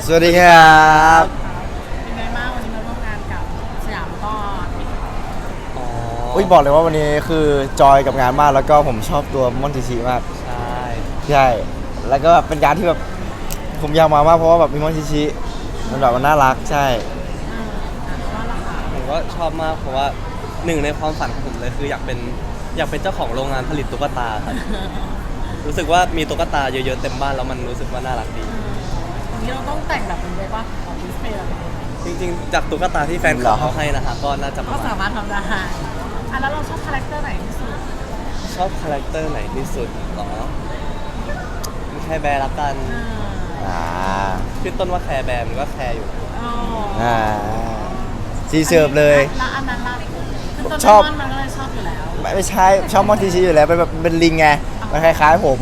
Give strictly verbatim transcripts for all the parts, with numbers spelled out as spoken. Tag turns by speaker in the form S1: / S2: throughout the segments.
S1: สวัสดีครับ
S2: เป็นไงบ้างวันนี้มาร่วมงานกับสยามก็
S3: อ๋อ
S1: อุ้ยบอกเลยว่าวันนี้คือจอยกับงานมากแล้วก็ผมชอบตัวมอนติชิมาก
S3: ใช่
S1: ใช่แล้วก็แบบเป็นการที่แบบผมอยากมามากเพราะว่าแบบมีมอนติชิมันแบบมันน่ารักใช่
S2: เอออ่ะว่าราคา
S3: ผมก็ชอบมากเพราะว่าหนึ่งในความฝันของผมเลยคืออยากเป็นอยากเป็นเจ้าของโรงงานผลิตตุ๊กตาครับ รู้สึกว่ามีตุ๊กตาเยอะๆเต็มบ้านแล้วมันรู้สึกว่าน่ารักดี
S2: วันนี้เราต้องแต่งแบบเป็นเลยป่ะของดิสเพย์อะไร
S3: จริงๆจากตุ๊กตาที่แฟนเขาให้นะฮะก็น่าจะ
S2: ก็สามารถทำได้อ่ะแล้วเราชอบคาแรคเตอร์ไหนที่สุด
S3: ชอบคาแรคเตอร์ไหนที่สุดหรอมีแคร์แบร์ละกัน
S1: อ่า
S3: ขึ้นต้นว่าแคร์แบร์มันก็แคร์อยู่
S2: อ๋อ
S1: อ่าซีเสิร์ฟเลย
S2: แล้วอันนั้นล่ะคือต้น
S1: ชอบ
S2: มันก็เลยชอบอยู่แล้ว
S1: ไม่ไม่ใช่ชอบมอนติชิอยู่แล้วเป็นแบบเป็นลิงไงมันคล้ายๆผม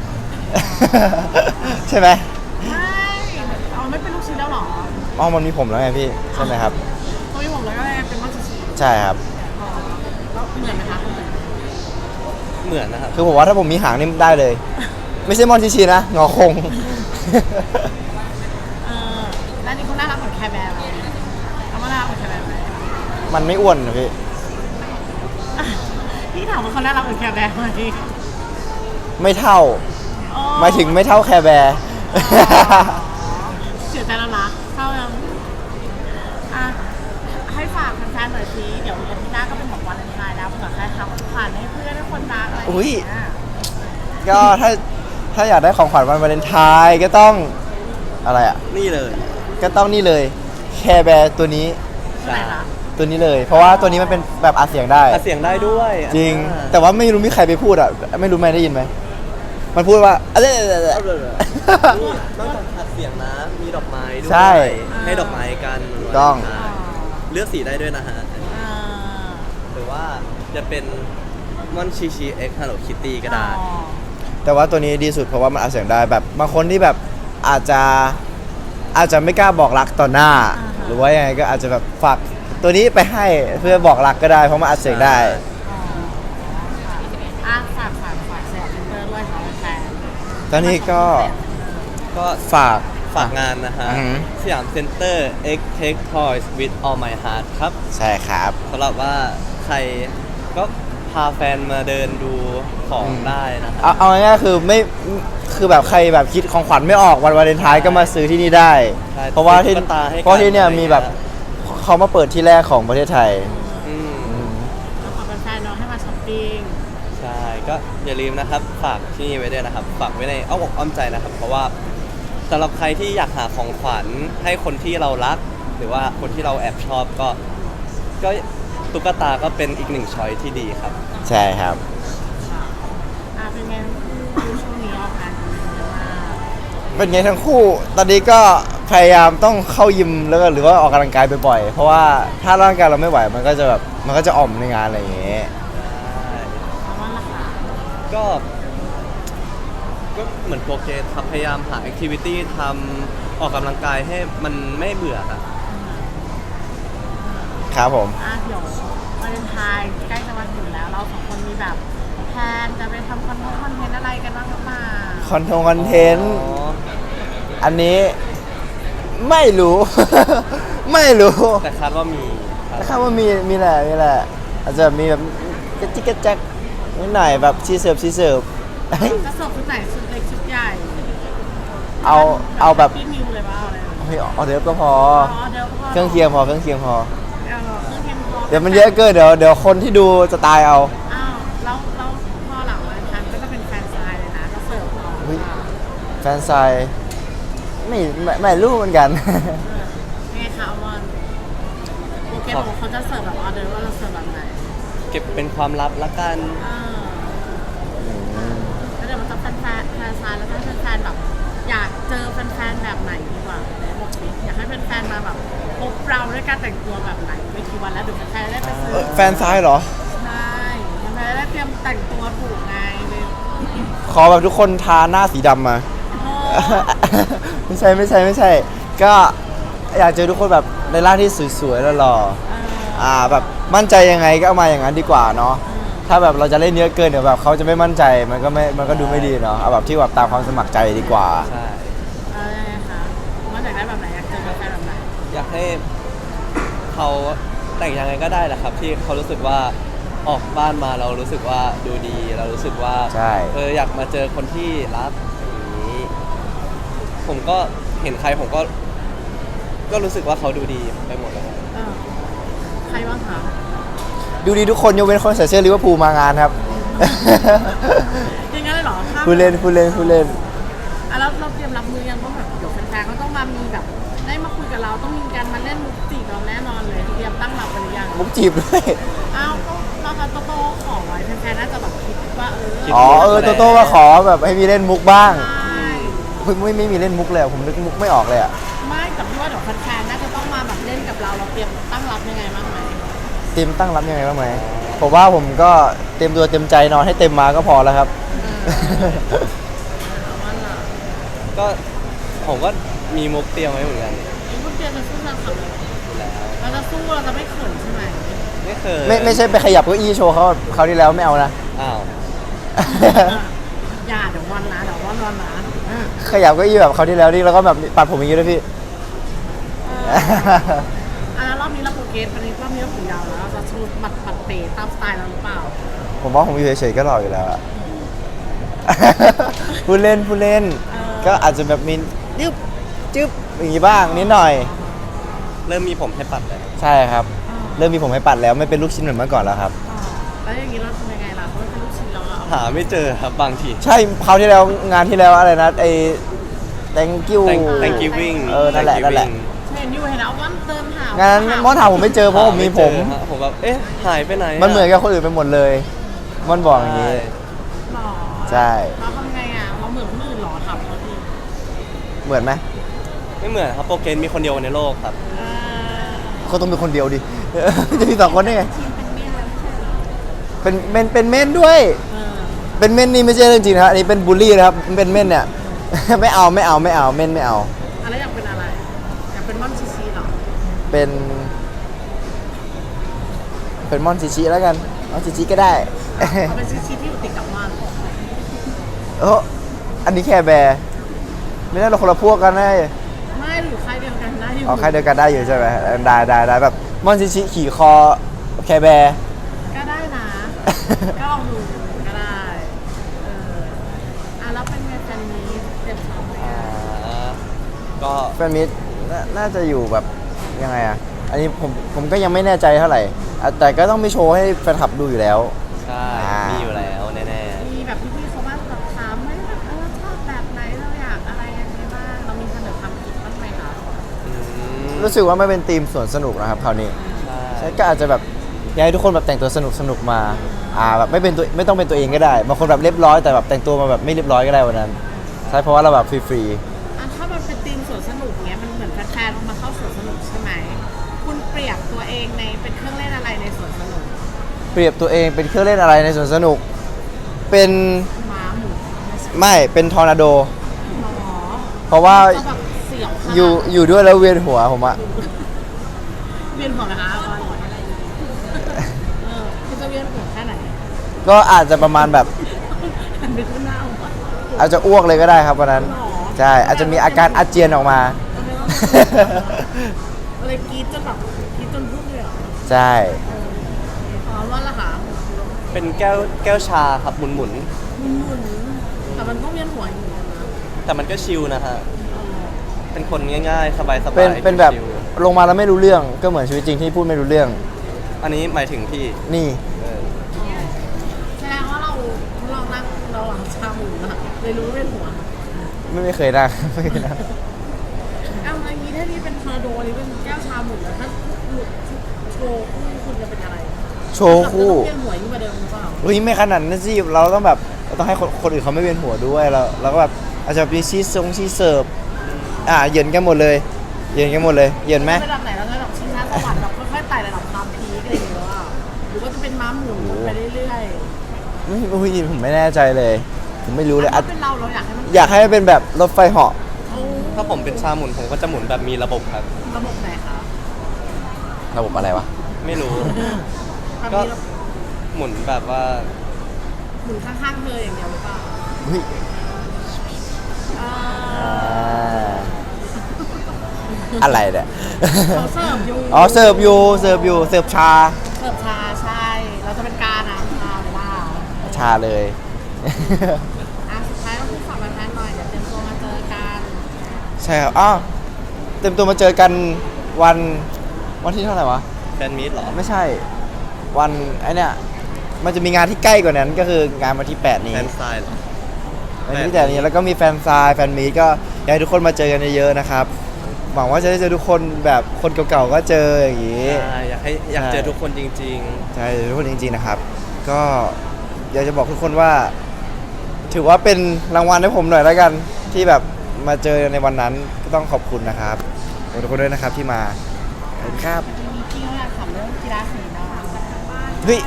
S1: ใช่ไหม
S2: ไม่เอาไม่เป็นลูกชิ้นแล้วหรอ
S1: อ๋อมันมีผมแล้วไงพี่ใช่ไหมครับ
S2: ตัวมีผมแล้วก็เลยเป็นมอนติชิ
S1: ใช่ครับ
S2: แล้วเหมือนไหมคะ
S3: เหมือนนะครับ
S1: คือผมว่าถ้าผมมีหางนี่ได้เลย ไม่ใช่มอนติชินะงอคง
S2: เออแล้วนี่เขาน่ารักเหมือนแคร์แบร์ไหมเขาน่ารักเหมือนแคร์แบร์ไหม
S1: มันไม่อ้วนนะพี่
S2: พี่ถามว่าเขาน่ารักเหมือนแคร์แบร์ไหม
S1: ไม่เท่าหมายถึงไม่เท่าแคร์แบร์
S2: เสียใจแล้วนะเท่ายังอ่ะให้ฝากแฟนๆหน่อยสิเดี๋ยวอาทิตย์หน้าก็เป็นของวันเลนไทน์แล้วเผื่อใครทำผ่านให้เพื่อนให้คนรักอะไรอย่างเงี้ย
S1: ก็ถ้าถ้าอยากได้ของขวัญวันวาเลนไทน์ก็ต้องอะไรอ่ะ
S3: นี่เลย
S1: ก็ต้องนี่เลยแคร์แบร์ตัวนี้
S3: ใช่
S1: ตัวนี้เลยเพราะว่าตัวนี้มันเป็นแบบอัดเสียงได้
S3: อัดเสียงได้ด้วย
S1: จริงแต่ว่าไม่รู้มีใครไปพูดอ่ะไม่รู้ไหมได้ยินไหมมันพูดว่าอะไร
S3: นอกจากอัดเสียงนะมีดอกไม้ด้วย
S1: ใช่
S3: ให้ดอกไม้กัน
S1: ต้อง
S3: เลือกสีได้ด้วยนะฮะหรือว่าจะเป็นมอนชิชิเอ็กฮัลโลคิตตี้ก็ได้
S1: แต่ว่าตัวนี้ดีสุดเพราะว่ามันอัดเสียงได้แบบบางคนที่แบบอาจจะอาจจะไม่กล้าบอกรักต่อหน้าหรือว่ายังไงก็อาจจะแบบฝากตัวนี้ไปให้เพื่อบอกรักก็ได้เพราะมันอัดเสียงได้
S2: อ่ะฝากฝากฝากเสียงเพื่อนด้วยค่ะแฟน
S1: ตอนนี้ก็
S3: ก็
S1: ฝาก
S3: ฝากงานนะฮะสยามเซ็นเตอร์ X Take Toys with All My Heart ครับ
S1: ใช่ครับ
S3: สำหรับว่าใครก็พาแฟนมาเดินดูของได้นะ
S1: เอาเอาง่ายๆคือไม่คือแบบใครแบบคิดของขวัญไม่ออกวันวาเลนไทน์ก็มาซื้อที่นี่ได้เพราะว่าที่เพราะที่เนี่ยมีแบบเขามาเปิดที่แรกของประเทศไทย
S2: แล้วขอแฟนๆน้องให้มาช้อปปิ้ง
S3: ใช่ก็อย่าลืมนะครับฝากที่นี่ไว้ด้วยนะครับฝากไว้ในอ้อมอกอ้อมใจนะครับเพราะว่าสำหรับใครที่อยากหาของขวัญให้คนที่เรารักหรือว่าคนที่เราแอบชอบก็ก็ตุ๊กตาก็เป็นอีกหนึ่งช้อยที่ดีครับ
S1: ใช่ครับ
S2: อ่าเป็นไงคู่ช่วงนี้ออกงานเยอะมาก
S1: เป็นไงทั้งคู่ตอนนี้ก็พยายามต้องเข้ายิมแล้วก็หรือว่าออกกำลังกายบ่อยๆเพราะว่าถ้าร่างกายเราไม่ไหวมันก็จะแบบมันก็จะอ่อมในงานอะไรอย่างเงี้ย
S3: ก็ก็เหมือนโปรเกรสครับพยายามหาแอคทิวิตี้ทำออกกำลังกายให้มันไม่เบื่อครับ
S1: ครับผม
S2: อ่ะเดี๋ยววาเลนไทน์ใกล้จะมาถึงแล้วเราสองคนมีแบบแพลนจะไปทำคอนเทนต์คอนเทนต์อะไรกันบ้างหรือเปล่า
S1: คอนเทนต์คอนเทนต์อันนี้ไม่รู้ ไม่รู้
S3: แต่คาดว่ามี
S1: แต่คาดว่ามีมีแหละมีแหละอาจจะมีแบบกระจิกกระจักนิดหน่อยแบบชีเสิร์ฟชีเสิร์ฟ
S2: จะเสิร์ฟชุดไหนชุดเล็กชุดใหญ่
S1: เอาเอาแบบ
S2: พี่มิวเลยป่ะอะไร
S1: เอาเดี๋ยวก็พอเครื่อง
S2: เ
S1: เคียงพอเครื่องเคียงพอ
S2: เ
S1: ดี๋ยวมันเยอะเกินเดี๋ยวเดี๋ยวคนที่ดูจะตายเอา
S2: อ้าวแล้วแล้วพอหลังวันทันก็จะเป็นแฟนซายเลยนะก็เสิร์ฟต่อ
S1: แฟนซายไม่ไม่ไม่รู้เหมือนกัน
S2: ไงคะอมอนโอเคบอกเขาจะเสิร์ฟแบบออเดอร์ว่าเราเสิร์ฟแบบไหน
S3: เก็บเป็นความลับละกัน
S2: แล้วเดี๋ยวมันจะแฟนแฟนแฟนซายแล้วก็แฟนแบบอยากเจอแฟนๆแบบไหนดีกว่าบอกสิอยากให้แฟนๆมาแบบพบเราด้วยการแต่งตัวแบบไหนไม่กี่วันแล้วเดี๋ยวแฟนๆได้ไปซื้อ
S1: แฟนซ้ายเหรอ
S2: ใช่แฟนๆได้เตรียมแต่งตัวถูกไง
S1: ขอแบบทุกคนทาหน้าสีดำมาไม่ใช่ไม่ใช่ไม่ใช่ก็อยากเจอทุกคนแบบในร่างที่สวยๆแล้วหล่ออ่าแบบมั่นใจยังไงก็เอามาอย่างนั้นดีกว่าเนาะถ้าแบบเราจะเล่นเยอะเกินเดี๋ยวแบบเขาจะไม่มั่นใจมันก็ไม่มันก็ดูไม่ดีเนาะเอาแบบที่แบบตามความสมัครใจดีกว่า
S3: ใช่
S2: อะไรคะมันอยากได้แบบ
S3: อยากให้เขาแต่งยังไงก็ได้แหละครับ ที่เขารู้สึกว่าออกบ้านมาเรารู้สึกว่าดูดี เรารู้สึกว่า
S1: ใช่
S3: เอออยากมาเจอคนที่รักอย่างนี้ ผมก็เห็นใครผมก็ ก็รู้สึกว่าเขาดูดีไปหมดเลย
S2: เออใครบ้างคะ
S1: ดูดีทุกคนยกเว้นคนใส่เสื้อลิเวอร์พูลมางานครับ
S2: อย่างนั้นเลยเหรอถ้า
S1: ผู้เล่นผู้เล่นผู้เล่น
S2: อ่ะแล้วเราเตรียมรับมือยังว่าแบบเดี๋ยวแฟนๆก็ต้องมามีแบบได้มาคุยกับเราต้องมีการมาเล่นมุกจีบเราแน่นอนเลยเตรียมตั้งรับไปหรือยัง
S1: มุกจีบด้วย
S2: อ้าวก็เราคันโตโต้ขอไว้แฟนๆน่าจะแบบคิดว่าเออ
S1: อ๋อเออโตโต้ว่าขอแบบให้มีเล่นมุกบ้าง
S2: ใช่
S1: เฮ้ยไม่ไม่มีเล่นมุกเลยอะผมนึกมุกไม่ออกเลยอ่ะ
S2: ไม่แต่พี่ว่าเดี๋ยวแฟนๆน่าจะต้องมาแบบเล่นกับเราเราเตรียมตั้งรับยังไงบ้างไหม
S1: เตรียมตั้งรับยังไงบ้างไหมผมว่าผมก็เต็มตัวเต็มใจนอนให้เต็มมาก็พอแล้วครับ
S2: เอาว่าล่ะ
S3: ก็ผมก็มีมุกเตรียมไว้เหมือนกัน
S2: ไอ้พวกเตรียมจะสู้เราขับ
S3: อยู่แล้ว
S2: เราจะสู้เราจะไม่เขินใช่ไหม
S3: ไม่เคย
S1: ไม่ไม่ใช่ไปขยับเก้าอี้โชว์เขาเขาวที่แล้วไม่เอานะ
S3: อ้าว
S2: อย่าเดี๋ยววันนะเดี๋ยววันวันนะ
S1: ขยับเก้าอี้แบบเขาวที่แล้วนี่แล้วก็แบบปัดผมอย่างนี้ด้วยพี่
S2: อ่ะแล้วรอบนี้เราโปรเกรสวันนี้รอบนี้เราผมยาวแล้วเราจะชูหมัดปัดเตะตามสไตล์เราหรือเปล่า
S1: ผมว่าผมอยู่เฉยๆก็หล่ออยู่แล้วอะ ผู้เล่นผู้เล่น
S2: เออ
S1: ก็อาจจะแบบมีจึ๊บจึ๊บอย่างนี้บ้างนิดหน่อย
S3: เริ่มมีผมให้ปัดแล้ว
S1: ใช่ครับ เริ่มมีผมให้ปัดแล้วไม่เป็นลูกชิ้นเหมือนเมื่อก่อนแล้วครับ
S2: อ่าแล้วอย่างนี้เราทำยังไงล่ะเพราะว่าเป็นลูกชิ้นเราอะเอา
S3: หาไม่เจอครับบางที
S1: ใช่คราวที่แล้วงานที่แล้วอะไรนะไอ้ thank you
S3: Thank Thank Giving
S1: เออนั่นแหละนั่นแหละ
S2: เห็นอยู่เห็นเอาวันเติมหาง
S1: านนั้นมอนถามผมไม่เจอเพราะผมมีผม
S3: หาไเจอฮะผมแบบเอ๊ะหายไปไหนอะ
S1: มันเหมือนกับคนอื่นไปหมดเลยมอนบอกอย่างนี้
S2: หรอ
S1: ใช่
S2: เราทำไงอ่ะเราเหมือนคนอื่นหรอทำเขาที
S1: เหมือนไหม
S3: ไม่เหมือนครับโปรเกรสมีคนเดียวในโลกครับ
S2: เออ
S1: เขาต้องเป็นคนเดียวดิ จะมีสองคนได้ไง
S2: ทีมเป็นเมียแล้วไม่ใช่เหรอ
S1: เป็นเมนเป็นเม่นด้วย
S2: เออ
S1: เป็นเม่นนี่ไม่ใช่เรื่องจริงนะครับอันนี้เป็นบูลลี่นะครับเป็นเม่นเนี่ย ไม่เอาไม่เอาไม่เอาเม่นไม่เอา
S2: อะไรอยากเป็นอะไรอยากเป็นม่อนซีซีเหรอ
S1: เป็น เป็นมอนชิชิแล้วกันมอนชิชิก็ได้
S2: เอาเป็นซีซีที่อยู่ติดกับม่อน
S1: เอออันนี้แค่แบร์ไม่ได้เราคนละพวกกันนะ
S2: ไม่อยู่ค่ายเดียวกันนะอยู่
S1: เอาใครเดียวกันได้อยู่ใช่ไหมได้ได้ได้แบบมอนชิชิขี่คอแคร์แบร์
S2: ก็ได้นะ ก็ลองดูก็ได้เอออ่ะแล้วเป็นไงแฟนนี้เต็มซ้อมไหม
S3: อ่า
S2: อ่ะ
S3: ก็
S1: แฟนมิตรน่าน่าจะอยู่แบบยังไงอ่ะ อันนี้ผมผมก็ยังไม่แน่ใจเท่าไหร่อ่ะแต่ก็ต้องมีโชว์ให้แฟนคลับดูอยู่แล้ว
S3: ใช่
S1: อ่ามี
S3: มีอยู่แล้วแน่
S2: มีแบบพี่ๆเขาบ้างแบบถามไหมแบบเออชอบแบบไหนเราอยากอะไรยังไงบ้างเรามีเสนอความคิดบ้างไหมคะ
S3: ๆอืม
S1: รู้สึกว่าไม่เป็นธีมสวนสนุกนะครับคราวนี้
S3: ใช่
S1: ใช่ก็อาจจะแบบอยากให้ทุกคนแบบแต่งตัวสนุกสนุกมาอ่าแบบไม่เป็นตัวไม่ต้องเป็นตัวเองก็ได้บางคนแบบเรียบร้อยแต่แบบแต่งตัวมาแบบไม่เรียบร้อยก็ได้วันนั้นใช่เพราะว่าเราแบบฟรี
S2: อ่ะถ้ามันเป็นธีมสวนสนุกเนี้ยมันเหมือนแฟนๆมาเข้าสวนสนุกใช่ไหมคุณเปรียบตัวเองในเป็นเครื่องเล่นอะไรในสวนสนุก
S1: ๆเปรียบตัวเองเป็นเครื่องเล่นอะไรในสวนสนุก เป็น
S2: ม้าหมุนไม่ใช่
S1: ไม่เป็นทอร์นาโด
S2: หรอ
S1: เพราะว่า
S2: จะแบบเสียวขนาด
S1: อยู่อยู่ด้วยแล้วเวียนหัวผมอะ
S2: เวียนหัวนะคะว่าเออคุณจะเวียนหัวแค่ไหน
S1: ก็อาจจะประมาณแบบ
S2: หันไปขึ้นหน้าเอาก่อน
S1: อาจจะอ้วกเลยก็ได้ครับวันนั้น
S2: หรอ
S1: ใช่อาจจะมีอาการอาเจียนออกมา
S2: อะไรกรีดจนแบบกรีดจนพุ่งเลยเหรอ
S1: ใช่
S2: อ๋อว่าละค่ะ
S3: เป็นแก้วแก้วชาครับหมุนหมุน
S2: หมุนๆแต่มันก็เวียนหัวอยู่เหมือนกันนะ
S3: ๆแต่มันก็ชิลนะฮะ
S2: เออ
S3: เป็นคนง่ายๆ สบายๆ
S1: เป็นเป็นแบบ
S3: ชิล
S1: ลงมาแล้วไม่รู้เรื่องก็เหมือนชีวิตจริงที่พูดไม่รู้เรื่อง
S3: ๆอันนี้หมายถึงพี่
S1: นี่
S3: เออ
S2: แสดงว่าเราเรานั่งเราหลังชาหมุนอะเลยรู้ว่าเวียนหัว
S1: ไม่ไม่เคยนั่ง ไม่เคยนั่ง
S2: เอาอย่างนี้ถ้านี่เป็นทอร์นาโดนี่เป็นแก้วชาหมุนแล้วถ้าหลุดโชว์คู่คุณจะเป็นอะไร
S1: โชว์คู่
S2: เวียนหัวยิ่งกว่าเดิมหรือเปล่า
S1: เฮ้ยไม่ขนาดนั้นสิเราต้องแบบเราต้องให้คนคนอื่นเขาไม่เวียนหัวด้วยเราเราก็แบบอาจจะมีชีสทรงชีสเสิร์ฟอ่าเหยินกันหมดเลยเหยินกันหมดเลยเหยินไหม
S2: ระดับไหนเราจะแบบชิงช้าสวรรค์แบบค่อยๆไต่ระดับความพีคอะไรอย่างเงี้ยอะหรือว่าจะเป็นม้าหมุนไปเรื่อย
S1: ไม่อุ้ยผมไม่แน่ใจเลย ผมไม่รู้
S2: ๆ
S1: เลย
S2: ถ้า
S1: อ่ะ
S2: เป็นเราเราอยากให้มัน
S1: อยากให้มันเป็นแบบรถไฟเหาะ
S2: เอา
S3: ถ้าผมเป็นชาหมุนผมก็จะหมุนแบบมีระบบครับ
S2: ระบบไหนคะ
S1: ระบบอะไรวะ
S3: ไม่รู้
S2: ความ
S3: ก็
S2: มีระบบ
S3: หมุนแบบว่า
S2: หมุนข้างๆเธออย่างเดียวหรือเปล่า
S1: เฮ้ย
S2: อ่า
S1: อ่าอะไรเนี่ย
S2: เขาเสิร์ฟอยู่
S1: อ๋อเสิร์ฟอยู่เสิร์ฟอยู่เสิร์ฟชา
S2: เสิร์ฟชาใช่ เราจะเป็นการอ่ะชาหรือว่า
S1: ชาเลย
S2: อ่ะสุดท้ายต้องพูดฝากแฟนๆหน่อยเดี๋ยวเตรียมตัวมาเจอกัน
S1: ใช่ครับอ้าวเต็มตัวมาเจอกันวันวันที่เท่าไหร่วะ
S3: แฟนมีตเหรอ
S1: ไม่ใช่ วันไอเนี่ยมันจะมีงานที่ใกล้กว่านั้นก็คืองานวันที่แปดนี้
S3: แฟนไซน์เหรอ
S1: วันที่แปดนี้แล้วก็มีแฟนซายแฟนมีตก็อยากให้ทุกคนมาเจอกันเยอะๆนะครับหวังว่าจะได้เจอทุกคนแบบคนเก่าๆก็เจออย่างนี้
S3: ใช่อยากให้อยากเจอทุกคนจริง
S1: ใช่ทุกคนจริงๆนะครับ ก็อยากจะบอกทุกคนว่า ถือว่าเป็นรางวัลให้ผมหน่อยแล้วกัน ที่แบบมาเจอในวันนั้นก็ต้องขอบคุณนะครับขอบคุณทุกคนด้วยนะครับที่มาขอบคุณครับ
S2: มีพี่เขาอยากถามเรื่องกีฬาสีเนาะ
S1: เฮ้ย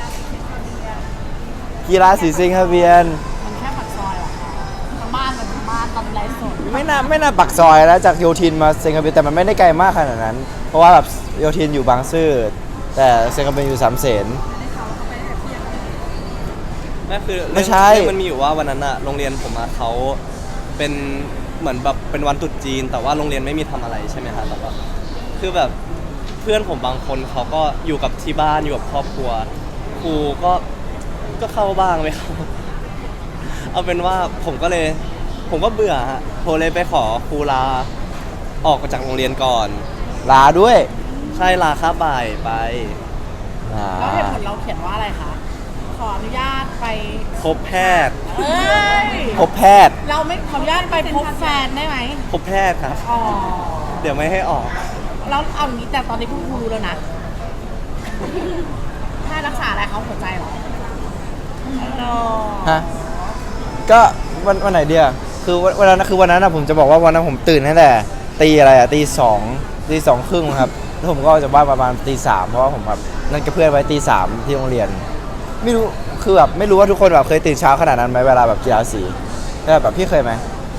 S1: กีฬาสีสิงห์เบียน
S2: มันแค่ปากซอยเหรอคะทั้งบ้านมันทั้งบ้านตอนไลฟ์สด
S1: ไม่น่าไม่น่าปักซอยแล้วจากโยธินมาเซงคาเบียนแต่มันไม่ได้ไกลมากขนาดนั้น เพราะว่าแบบโยธินอยู่บางซื่อแต่เซงคาเบียนอยู่สามเสน
S3: ๆนั่นคือ
S1: ไม่ใช่
S3: เรื่องมันมีอยู่ว่าวันนั้นอะโรงเรียนผมอะเขาเป็นเหมือนแบบเป็นวันตรุษจีน แต่ว่าโรงเรียนไม่มีทำอะไรใช่ไหมฮะแต่ว่าคือแบบเพื่อนผมบางคนเขาก็อยู่กับที่บ้านอยู่กับครอบครัวครูก็ก็เข้าบ้างไหมครับ เอาเป็นว่าผมก็เลย ผมก็เบื่อฮะโทรเลยไปขอครูลาออกจากโรงเรียนก่อน
S1: ลาด้วย
S3: ใช่ลาค่าบ่ายไป
S1: อ่า
S2: แล้วเหตุผลเราเขียนว่าอะไรคะ ขออนุญาตไป
S3: พบแพทย์
S2: เอ้ย
S1: พบแพทย์
S2: เราไม่ขออนุญาตไปพบแฟนได้ไหม
S3: พบแพทย์ครับ
S2: อ๋อ
S3: เดี๋ยวไม่ให้ออก
S2: แล้วเอาอย่างนี้แต่ตอนนี้คุณครูรู้แล้วนะแค่รักษาอะไรเขาหัวใจเหรออ๋อ
S1: ฮะก็วันวันไหนเดียวคือวันวันนั้นคือวันนั้นนะผมจะบอกว่าวันนั้นผมตื่นตั้งแต่ตีอะไรอะตีสองตีสองครึ่งครับแล้วผมก็ออกจากบ้านประมาณตีสามเพราะว่าผมแบบนัดกับเพื่อนไว้ตีสามที่โรงเรียน ไม่รู้คือแบบไม่รู้ว่าทุกคนแบบเคยตื่นเช้าขนาดนั้นไหมเวลาแบบกีฬาสีแบบแบบพี่เคยไหม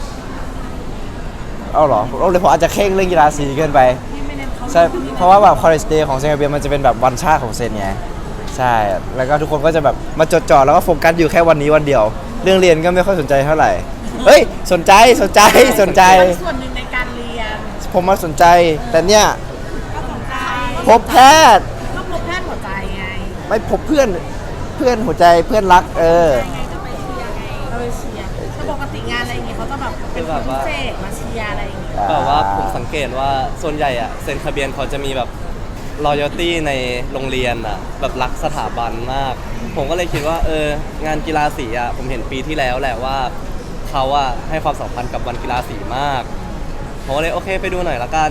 S1: เอาเหรอเราเลยผมอาจจะเคร่งเรื่องกีฬาสีเกินไป
S2: พี่ไม่เน้นเขา
S1: ใช่เพราะว่าแบบ college day ของเซนต์เบียมันจะเป็นแบบวันชาติของเซนไงใช่แล้วก็ทุกคนก็จะแบบมาจดจ่อแล้วก็โฟกัสอยู่แค่วันนี้วันเดียว เรื่องเรียนก็ไม่ค่อยสนใจเท่าไหร่เฮ้ยสนใจสนใจสนใจ
S2: เป็นส่วนหนึ่งในการเรียน
S1: ผมมาสนใจแต่เนี่ย
S2: ก็สนใจ
S1: พบแพทย์
S2: ก็พบแพทย์หัวใจไง
S1: ไม่พบเพื่อนเพื่อนหัวใจเพื่อนรักเออ
S2: ไงก็ไปเชียร์ไงก็ไปเชียร์ถ้าปกติงานอะไรอย่างเงี้ยเขาจะแบบเป็นคนพิเศษมาเชียร์อะไรอย่างเงี้ย
S3: แบบว่าผมสังเกตว่าส่วนใหญ่อะเซ็นทะเบียนเขาจะมีแบบ loyalty ในโรงเรียนอะแบบรักสถาบันมาก ผมก็เลยคิดว่าเอองานกีฬาสีอะผมเห็นปีที่แล้วแหละว่าเขาอะให้ความสำคัญกับวันกีฬาสีมากผมก็เลยโอเคไปดูหน่อยละกัน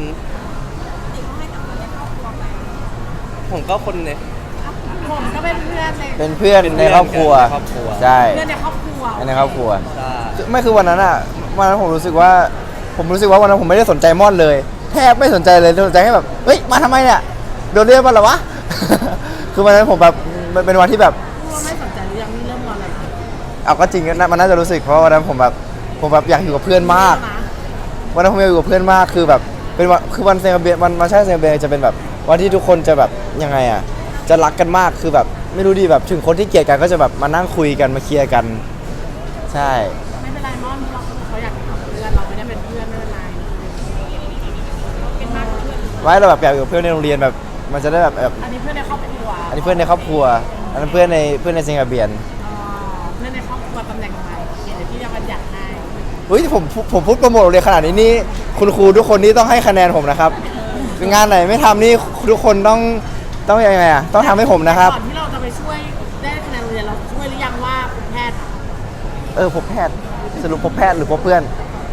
S3: ผมก็คนเนี่ย
S2: ผมก็เป็นเพื่อนใน
S1: เป็นเพื่อน
S3: เป็นเพื่
S1: ใน
S3: อน
S1: ครอบครัว
S3: ในครอบครัว
S1: ใช่
S2: เพื่อนในครอบครัว
S1: ในครอบครัว
S3: ใช่
S1: ไม่คือวันนั้นอ่ะวันนั้นผมรู้สึกว่า ผมรู้สึกว่าวันนั้นผมไม่ได้สนใจม่อนเลยแทบไม่สนใจเลยสนใจแค่แบบเฮ้ยมาทำไมเนี่ยโดนเรียกมาเหรอวะ คือวันนั้นผมแบบมันเป็นวันที่แบบ
S2: ว่าไม่สนใจหรือยังนี่เริ่มงอนอะไร
S1: เอาก็จริงนะมันน่าจะรู้สึกเพราะวันนั้นผมแบบผมแบบอยากอยู่กับเพื่อนมาก
S2: นะ
S1: วันนั้นผมอยากอยู่กับเพื่อนมากคือแบบเป็นวันคือวันเซนเบียวันวันใช่เซนเบียจะเป็นแบบวันที่ทุกคนจะแบบยังไงอ่ะจะรักกันมากคือแบบไม่รู้ดีแบบถึงคนที่เกลียดกันก็จะแบบมานั่งคุยกันมาเคลียร์กัน ใช่
S2: ไม่เป็นไรมอนเราเขาอยากเป็นเพื่อนเราไม่ได้เป็นเพื่อนไม่เป็นไรเป็นมากกว่าเพื่อน
S1: ไว้เราแบบอยากอยู่กับเพื่อนในโรงเรียนแบบมันจะได้แบบแบบ
S2: อันนี้เพื่อนในครอบครัว
S1: อันนี้เพื่อนในครอบครัวอันนั้นเพื่อนในเพื่อนในเซนเบียน
S2: อ๋อเพื่อนในครอบครัวตำแหน่งใหม่เดี๋ยวพี่จะบัญญัติให้
S1: เฮ้ยผมผมพูดโปรโมทโรงเรียนขนาดนี้นี่คุณครูทุกคนนี่ต้องให้คะแนนผมนะครับงานไหนไม่ทำนี่ทุกคนต้องต้องยังไงอ่ะต้องทำให้ผมนะครับ
S2: ก่อนที่เราจะไปช่วยได้คะแนนโรงเรียนเราช่วยหรือยังว่าคุณแพทย์
S1: เออพบแพทย์สรุปพบแพทย์หรือพบเพื่อน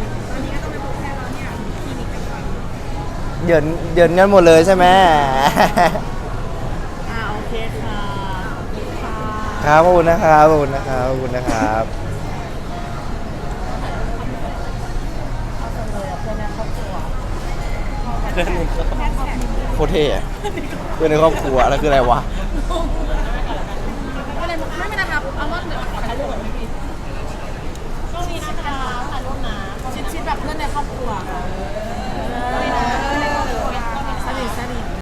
S1: เดือนเดือนกันหมดเลยใช่ไหม
S2: อ่าโอเคค่ะขอบคุณค่ะ
S1: ครับขอบคุณนะครับขอบคุณนะครับขอบคุณนะครับ
S2: เอาจังเลยอ่ะเพื่อนในครอบครัว
S3: เพื่อนนี่ก็
S1: โคตรเท่อะเพื่อนในครอบครัวแล้วคืออะไรวะ
S2: ก็เลยบอกไม่เป็นไรครับเอาว่าเดี๋ยวขอถ่ายรูปกับพี่ก็มีนะคะถ่ายรูปนะชิดๆแบบเพื่อนในครอบครัวค่ะ